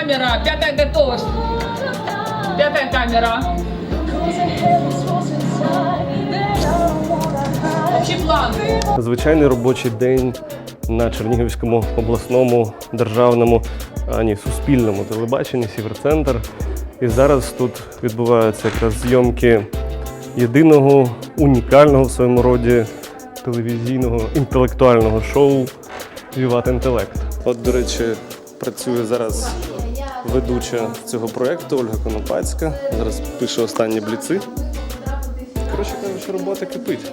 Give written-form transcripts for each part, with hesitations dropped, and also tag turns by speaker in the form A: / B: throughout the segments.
A: камера, пятая готовность. Пятая камера. Общий план.
B: Звичайний робочий день на Чернігівському обласному державному, суспільному телебаченні «Сіверцентр». І зараз тут відбуваються якраз зйомки єдиного, унікального в своєму роді телевізійного інтелектуального шоу «Віват Інтелект». От, до речі, працює зараз ведуча цього проєкту Ольга Конопацька. Зараз пише останні бліци. Коротше кажучи, робота кипить.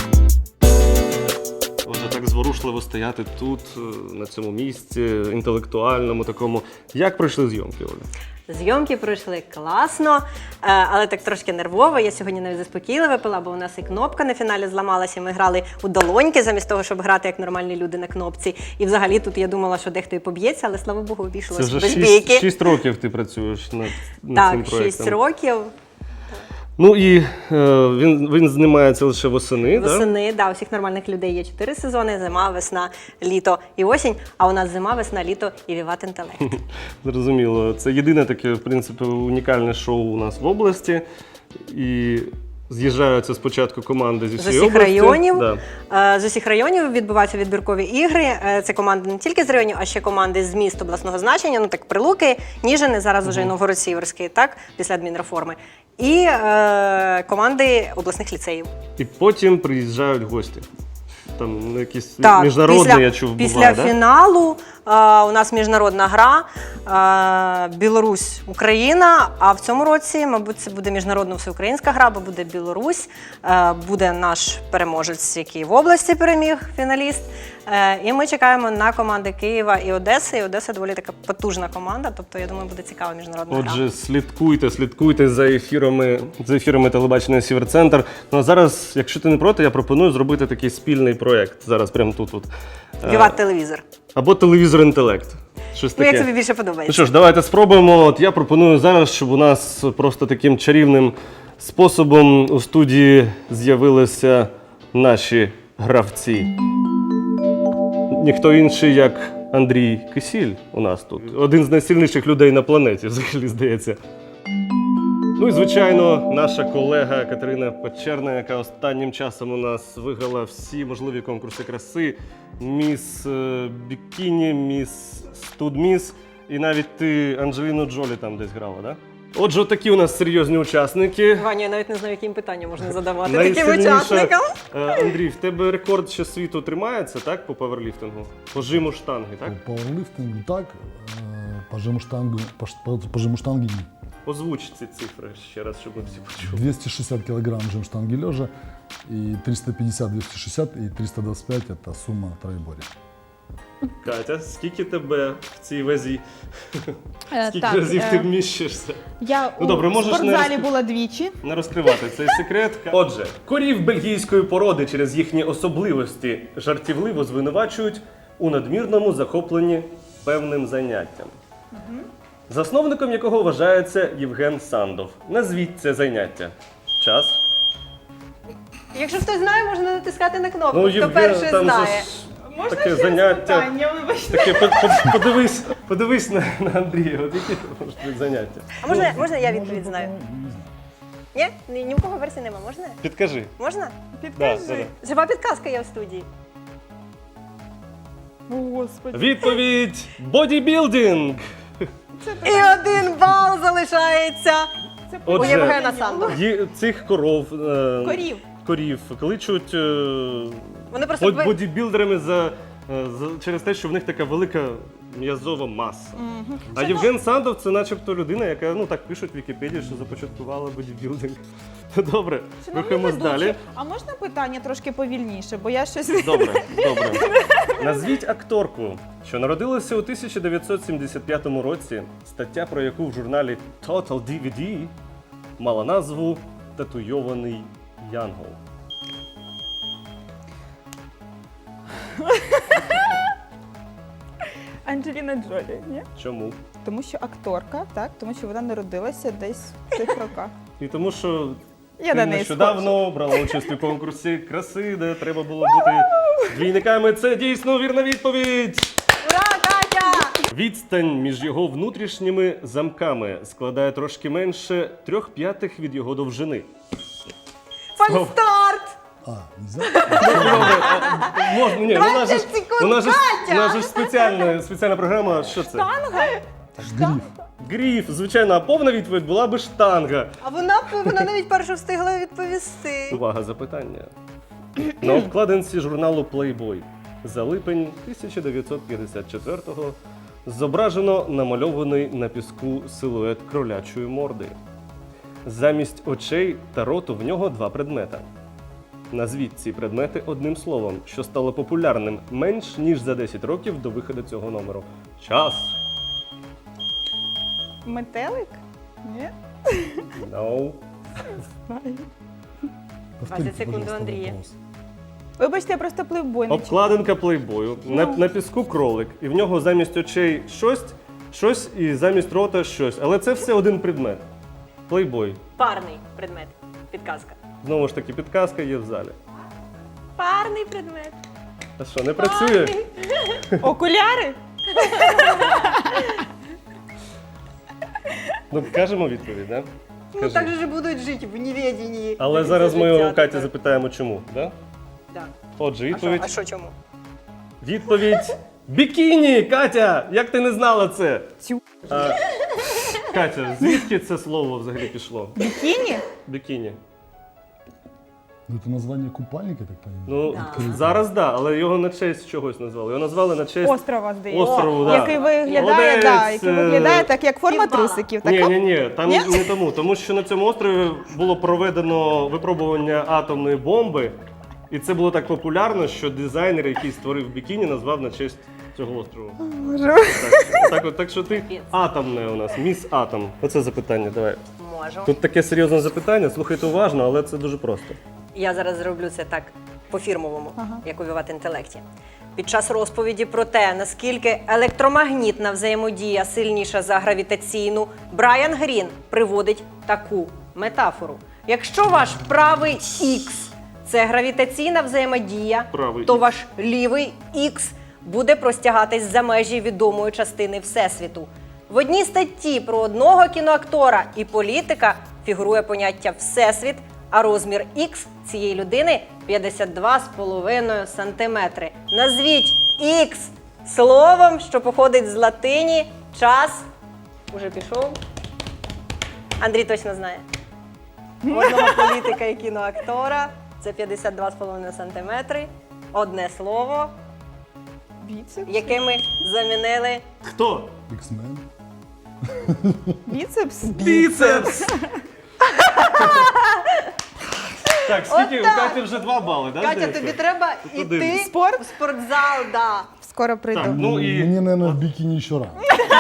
B: Отже, так зворушливо стояти тут, на цьому місці, інтелектуальному такому. Як пройшли зйомки, Оля?
C: Зйомки пройшли класно, але так трошки нервово. Я сьогодні навіть заспокійливо пила, бо у нас і кнопка на фіналі зламалася. Ми грали у долоньки, замість того, щоб грати як нормальні люди на кнопці. І взагалі тут я думала, що дехто і поб'ється, але, слава Богу, обійшлося без бійки.
B: Це вже 6 років ти працюєш над цим проєктом.
C: Так, 6 років.
B: Ну і він знімається лише восени, так?
C: Восени, да, у всіх нормальних людей є 4 сезони: зима, весна, літо і осінь. А у нас зима, весна, літо і Віват Інтелект.
B: Зрозуміло. Це єдине таке, в принципі, унікальне шоу у нас в області. І з'їжджаються спочатку команди зі всієї області.
C: Районів.
B: Да.
C: З усіх районів відбуваються відбіркові ігри. Це команди не тільки з районів, а ще команди з міст обласного значення. Ну так, Прилуки, Ніжини, зараз вже і Новгород-Сіверський, так, після адмінреформи. І команди обласних ліцеїв.
B: І потім приїжджають гості. Там якісь
C: Так,
B: міжнародні, я чув,
C: після
B: буває, да?
C: фіналу у нас міжнародна гра Білорусь-Україна, а в цьому році, мабуть, це буде міжнародна всеукраїнська гра, бо буде Білорусь, буде наш переможець, який в області переміг, фіналіст. І ми чекаємо на команди Києва і Одеси. І Одеса доволі така потужна команда, тобто, я думаю, буде цікава міжнародна гра.
B: Отже, слідкуйте за ефірами телебачення «Сіверцентр». Ну а зараз, якщо ти не проти, я пропоную зробити такий спільний проєкт. Зараз прямо тут.
C: Віват телевізор.
B: Або телевізор інтелект. Щось
C: Ну,
B: таке.
C: як тобі більше
B: Ну
C: подобається?
B: що ж, давайте спробуємо. От я пропоную зараз, щоб у нас просто таким чарівним способом у студії з'явилися наші гравці. Ніхто інший, як Андрій Кисіль у нас тут. Один з найсильніших людей на планеті, взагалі, здається. Ну і, звичайно, наша колега Катерина Печерна, яка останнім часом у нас виграла всі можливі конкурси краси. Міс Бікіні, міс Студміс. І навіть ти Анджеліну Джолі там десь грала, так? Да? Отже, такі у нас серйозні учасники.
C: Ваня, я навіть не знаю, яким питанням можна задавати таким
B: Найсильніша-
C: учасникам.
B: Андрій, в тебе рекорд ще світу тримається, так, по паверліфтингу? По жиму штанги, так?
D: По пауэрлифтингу так, по жиму штанги нет.
B: Озвуч ці цифри ще раз, щоб ми всі почули.
D: 260 килограмм жим штанги лежа, и 350-260, и 325 это сумма троеборья.
B: Катя, скільки тебе в цій вазі? Скільки
E: Так,
B: разів ти вміщишся?
E: Я
B: Ну, добре,
E: у
B: можеш не
E: спортзалі
B: розкрив-
E: була двічі.
B: Не розкривати цей секрет. Отже, корів бельгійської породи через їхні особливості жартівливо звинувачують у надмірному захопленні певним заняттям. Засновником якого вважається Євген Сандов. Назвіть це заняття. Час.
C: Якщо хтось знає, можна натискати на кнопку, хто
B: Євген,
C: перший
B: там же
C: знає.
B: ж таке заняття. Таке, подивись на Андрія, от які можуть бути заняття.
C: А можна я відповідь знаю? Ні? Ні в кого версії нема, можна?
B: Підкажи.
C: Можна?
B: Да.
C: Жива підказка є в студії.
E: Господи.
B: Відповідь – бодібілдинг.
C: І 1 бал залишається у
B: Отже,
C: Євгена Сандова.
B: Цих коров,
E: Корів.
B: кличуть
C: Вони просто
B: бодібілдерами через те, що в них така велика м'язова маса. А Євген Сандов – це начебто людина, яка, ну так пишуть в Вікіпедії, що започаткувала бодібілдинг. Добре, рухаємось далі.
E: А можна питання трошки повільніше, бо я щось...
B: Добре. Назвіть акторку, що народилася у 1975 році, стаття про яку в журналі Total DVD мала назву «Татуйований Янгол».
E: Анджеліна Джолі, ні?
B: Чому?
E: Тому що акторка, так? Тому що вона народилася десь в цих роках.
B: І тому що
E: Я
B: ти
E: на неї
B: нещодавно брала участь у конкурсі краси, де треба було бути двійниками. Це дійсно вірна відповідь!
C: Ура, Катя!
B: Відстань між його внутрішніми замками складає трошки менше 3/5 від його довжини.
C: Фальстарт!
D: А, нельзя?
B: Можна, ні,
C: 20 секунд,
B: у нас
C: Катя!
B: ж спеціальна програма. Що це?
D: Гриф.
B: Гриф, звичайно, а повна відповідь була би штанга.
C: А вона навіть першу встигла відповісти.
B: Увага, запитання. На обкладинці журналу Playboy за липень 1954-го зображено намальований на піску силует кролячої морди. Замість очей та роту в нього 2 предмета. Назвіть ці предмети одним словом, що стало популярним менш ніж за 10 років до виходу цього номеру. Час.
E: Метелик? Ні?
B: No.
D: Повторите,
C: 20 секунд
D: пожалуйста,
C: у Андрея.
D: вопрос.
E: Вибачте, я просто плейбой не читала.
B: Обкладинка плейбою. На піску кролик. І в нього замість очей щось і замість рота щось. Але це все один предмет. Плейбой.
C: Парний предмет. Підказка.
B: Знову ж таки, підказка є в залі.
C: Парний предмет.
B: А що, не працює?
E: Окуляри?
B: Ну, кажемо відповідь, так?
C: Ну так же ж будуть жити в неведенні.
B: Але зараз ми у Каті запитаємо, чому. Да?
C: Да.
B: Отже,
C: А
B: відповідь.
C: що чому?
B: Відповідь бікіні! Катя! Як ти не знала це?
E: Цю.
B: Катя, звідки це слово взагалі пішло?
E: Бікіні?
B: Бікіні.
D: Ну, это название купальника, я так понимаю?
B: Ну,
C: Да.
B: зараз да, але його на честь чогось назвали. Його назвали на честь
E: Острова, здається.
B: острову, да.
E: Який виглядає,
B: Молодець,
E: да, який виглядає так, як форма
C: Півбала.
E: трусиків.
B: Ні,
E: Так?
B: ні, там
E: Ні?
B: не тому що на цьому острові було проведено випробування атомної бомби, і це було так популярно, що дизайнер, який створив бікіні, назвав на честь цього острову. Так що ти атомне у нас, міс Атом. Оце запитання, давай.
C: Можу.
B: Тут таке серйозне запитання, слухайте уважно, але це дуже просто.
C: Я зараз зроблю це так по-фірмовому, як у «Віват інтелекті». Під час розповіді про те, наскільки електромагнітна взаємодія сильніша за гравітаційну, Брайан Грін приводить таку метафору. Якщо ваш правий Х – це гравітаційна взаємодія,
B: Правий
C: то
B: Х.
C: ваш лівий Х буде простягатись за межі відомої частини Всесвіту. В одній статті про одного кіноактора і політика фігурує поняття «всесвіт», а розмір Х цієї людини 52,5 сантиметри. Назвіть Х словом, що походить з латині. Час уже пішов. Андрій точно знає. У одного політика і кіноактора це 52,5 сантиметри. Одне слово,
E: Біцепс?
C: яке ми замінили.
B: Хто?
D: X-Men.
E: Біцепс?
B: Біцепс! Так, скільки? У
C: Отак.
B: Каті вже 2 бали, так?
C: Катя, тобі треба
B: один.
C: йти
E: Спорт?
C: в спортзал, да.
E: Скоро прийду.
B: Так, ну і
D: Мне, наверное, в бикини еще рано.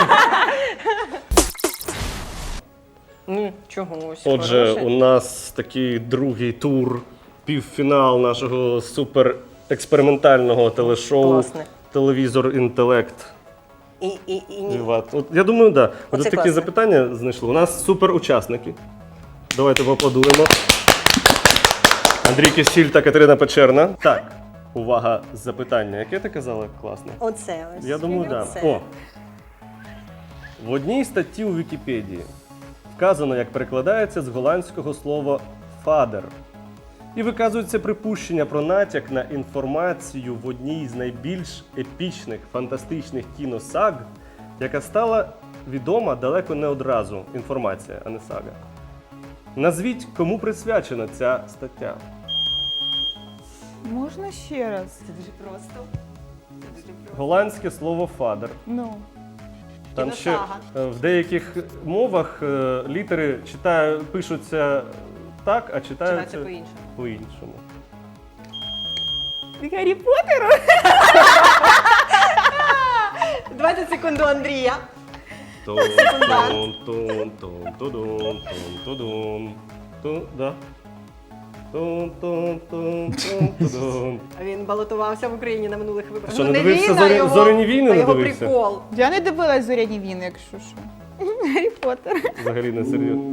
C: Чогось.
B: отже,
C: хороше.
B: у нас такий другий тур, півфінал нашого суперекспериментального телешоу
C: Класне.
B: Телевізор Інтелект.
C: І ні.
B: Віват. От, я думаю, так. Да. От
C: Оце
B: такі
C: класно.
B: запитання знайшли. У нас суперучасники. Давайте поаплодуємо. Андрій Кисіль та Катерина Печерна. Так, увага, запитання. Яке ти казала? Класне.
C: Оце ось.
B: Я думаю, так.
C: Оце.
B: Да. О. В одній статті у Вікіпедії вказано, як перекладається з голландського слова «фадер». І виказується припущення про натяк на інформацію в одній з найбільш епічних фантастичних кіносаг, яка стала відома далеко не одразу. Інформація, а не сага. Назвіть, кому присвячена ця стаття.
E: Можна ще раз?
C: Це дуже просто. Це дуже просто.
B: Голландське слово «фадер».
E: Ну.
B: Там ще
C: Кіносага.
B: в деяких мовах літери пишуться так, а читаються
C: Читається по-іншому.
B: по-іншому.
E: Гаррі Поттеру?
C: 20 секунд у Андрія. Він балотувався в Україні на минулих виборах.
B: Що,
C: Ну,
B: не
C: не
B: дивився
C: він, а його-
B: «Зоряні війни»
C: а
B: не
C: його
B: дивився?
C: прикол.
E: Я не дивилась «Зоряні війни», якщо що. Гаррі Поттер.
B: Взагалі не серйозно.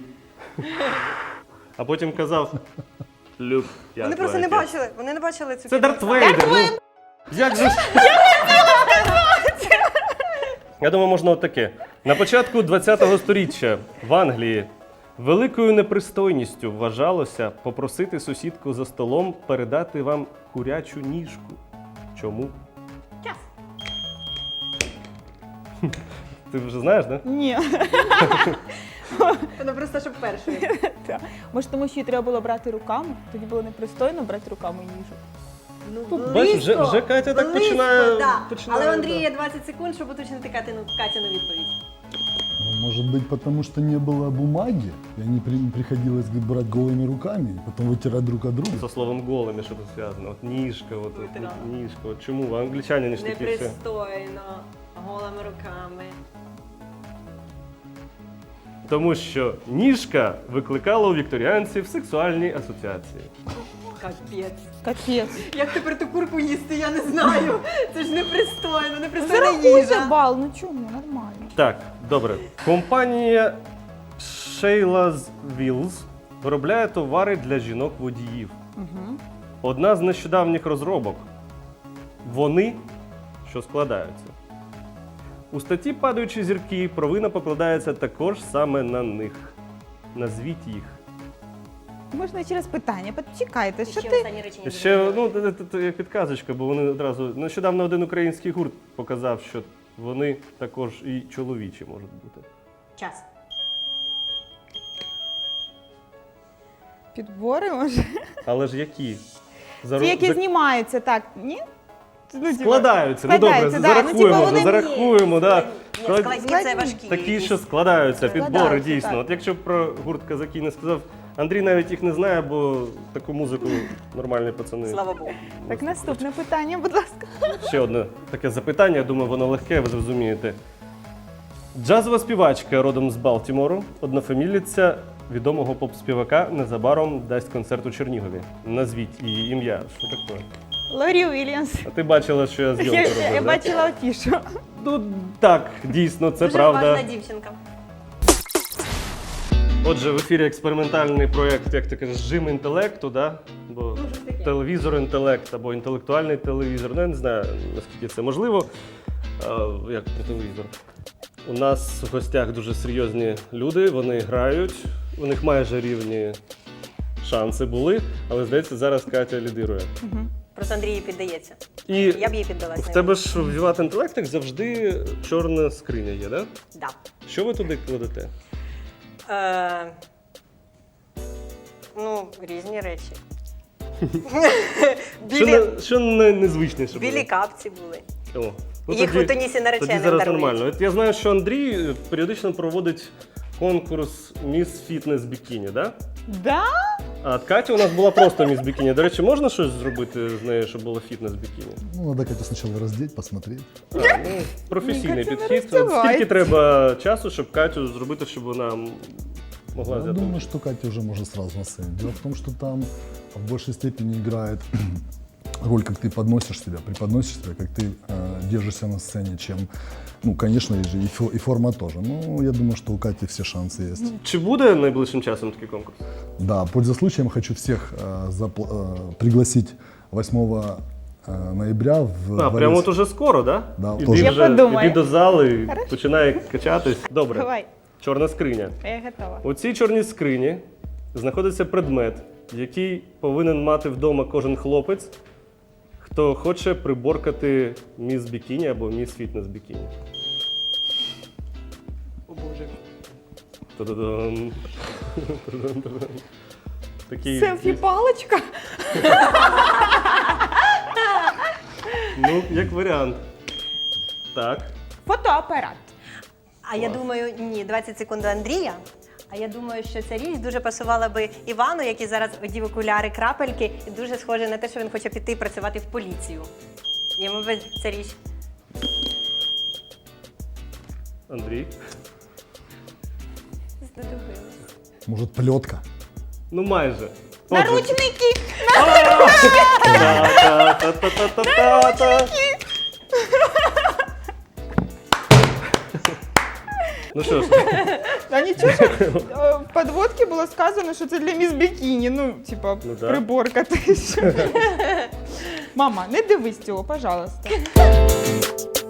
B: А потім казав: Люк, я
C: Вони просто
B: твоя
C: не
B: тітя».
C: бачили, вони не бачили цю
B: Це Дарт
C: кіносагу.
B: Вейдер. Ну, як же ж? Я думаю, можна отаке. На початку ХХ століття в Англії великою непристойністю вважалося попросити сусідку за столом передати вам курячу ніжку. Чому?
C: Час.
B: Ти вже знаєш, так? Да?
E: Ні.
C: Вона просто щоб першою.
E: Так. Може, тому що її треба було брати руками? Тоді було непристойно брати руками їжу.
C: Ну,
B: Бачиш, вже Катя так починає.
C: Да.
B: починає,
C: Але у Андрія
B: да.
C: є 20 секунд, щоб уточнити Катину відповідь.
D: Ну, может быть, потому что не было бумаги, и они приходилось говорит, брать голыми руками, и потом вытирать друг от друга.
B: За словом голими, що тут зв'язано. От ніжка, от
C: Витирала.
B: ніжка. От чому? Англічані ж такі все.
C: Непристойно, голими руками.
B: Тому що ніжка викликала у вікторіанців сексуальні асоціації.
C: Капець.
E: Капець.
C: Як тепер ту курку їсти, я не знаю. Це ж непристойно, непристойна
E: Зарахуйте
C: їжа.
E: бал, ну чому? Нормально.
B: Так, добре. Компанія Sheila's Wheels виробляє товари для жінок-водіїв. Одна з нещодавніх розробок. Вони, що складаються. У статті «Падаючі зірки» провина покладається також саме на них. Назвіть їх.
E: Можна через питання. Почекайте, що
C: Ще
E: ти?
C: останнє речення.
B: Ще, ну, це як підказочка, бо вони одразу... Нещодавно один український гурт показав, що вони також і чоловічі можуть бути.
C: Час.
E: Підбори, може?
B: Але ж які?
E: Ті, які знімаються, так, ні? Ну, типу,
B: Складаються. Ну добре,
E: складаються, да. Ну, типу,
B: зарахуємо,
E: вони-
B: зарахуємо. Да.
C: Ні, складні це важкі.
B: Такі, що складаються, підбори
E: Складаються,
B: дійсно.
E: так.
B: От якщо б про гурт казаки не сказав, Андрій навіть їх не знає, бо таку музику нормальні пацани.
C: Слава Богу.
E: Так, наступне питання, будь ласка.
B: Ще одне таке запитання, я думаю, воно легке, ви зрозумієте. Джазова співачка родом з Балтімору, однофаміліця відомого поп-співака, незабаром дасть концерт у Чернігові. Назвіть її ім'я. Що таке?
E: Лорі Уільямс.
B: А ти бачила, що я зйомку робив?
E: Я
B: да?
E: бачила афішу.
B: Ну так, дійсно, це
C: Дуже
B: правда.
C: важна дівчинка.
B: Отже, в ефірі експериментальний проєкт, як ти кажеш, жим інтелекту, да? Бо телевізор інтелект або інтелектуальний телевізор. Ну, я не знаю, наскільки це можливо. Як про телевізор. У нас в гостях дуже серйозні люди, вони грають, у них майже рівні шанси були, але, здається, зараз Катя лідирує.
C: Просто Андрій їй піддається.
B: І
C: Я б їй піддалась.
B: в тебе ж в Віват інтелект як завжди чорна скриня є, да?
C: Да.
B: Що ви туди кладете?
C: Ну, різні речі.
B: Що незвичніше було?
C: Білі капці були.
B: О, ну
C: Їх
B: тоді-
C: у Тунісі нареченим
B: Тоді зараз
C: дарують.
B: нормально. От я знаю, що Андрій періодично проводить конкурс Міс Фітнес Бікіні, да?
E: Да?
B: А Катя у нас була просто Міс Бікіні. До речі, можна щось зробити з нею, щоб було фітнес бікіні?
D: Ну, надо Катю сначала раздеть, посмотреть.
B: Ну, професійний
E: Катя не
B: підхід. От
E: роздівається.
B: скільки треба часу, щоб Катю зробити, щоб вона могла
D: Я
B: взяти?
D: думаю, что Катя уже может сразу на сцене. Дело в том, что там в большей степени играет роль, как ты подносишь себя, преподносишь себя, как ты держишься на сцене, чем, ну, конечно, и форма тоже. Но я думаю, что у Кати все шансы есть.
B: Чи буде найближчим часом такий конкурс?
D: Да, пользуясь случаем, хочу всех пригласить 8 ноября в
B: А, прямо от уже скоро, да?
D: Да,
B: Іди
D: тоже.
E: Я
B: вже,
E: подумаю.
B: іди до зали, починай качатись. Добре.
E: Давай,
B: Чорна скриня.
E: я готова.
B: У цій чорній скрині знаходиться предмет, який повинен мати вдома кожен хлопець, хто хоче приборкати міс бікіні або міс фітнес бікіні.
E: О Боже.
B: Та-да-дам. Та-дам-та-дам. Такий,
E: Селфі-палочка?
B: ну, як варіант. Так.
E: Фотоапарат.
C: А я думаю, ні, 20 секунд до Андрія. А я думаю, що ця річ дуже пасувала би Івану, який зараз одів окуляри, крапельки, і дуже схоже на те, що він хоче піти працювати в поліцію. Йому би ця річ.
B: Андрій.
C: Знадобилась.
D: Может, плетка?
B: Ну, майже. Отже.
E: Наручники!
B: Та-та-та-та-та-та-та. Ну що ж,
E: А нічого, що в підводці було сказано, що це для міс бікіні. Ну, типа,
B: Ну, да.
E: приборка. Мама, не дивись цього, пожалуйста.